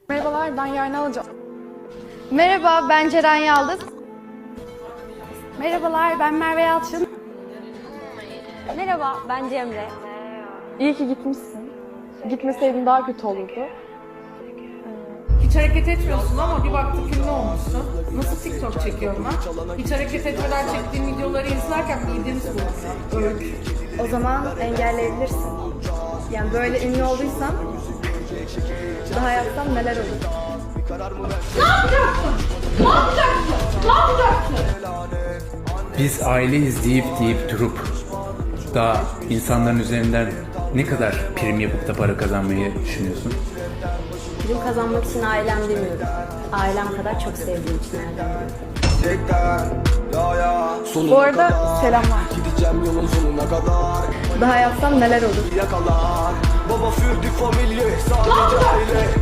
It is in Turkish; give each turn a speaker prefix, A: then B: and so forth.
A: Merhabalar, ben Yarın alacağım.
B: Merhaba, ben Ceren Yaldız.
A: Merhabalar, ben Merve Yalçın.
B: Merhaba, ben Cemre.
A: İyi ki gitmişsin. Gitmeseydin daha kötü olurdu.
C: Hiç hareket etmiyorsun ama bir baktık ünlü olmuşsun. Nasıl TikTok çekiyorum ben? Hiç hareket etmeden çektiğim videoları izlerken mideniz bulunuyor. Öykü.
A: O zaman engelleyebilirsin. Yani böyle ünlü olduysan daha yapsam neler olur?
D: Biz aileyiz deyip durup daha insanların üzerinden ne kadar prim yapıp da para kazanmayı düşünüyorsun?
B: Prim kazanmak için ailem demiyorum. Ailem kadar çok sevdiğim için ailem diyorum.
A: Bu arada selamlar.
E: Gideceğim yolun sonuna kadar.
A: Daha yapsam neler olur?
E: Yakalar. Baba für die Familie sadece aile.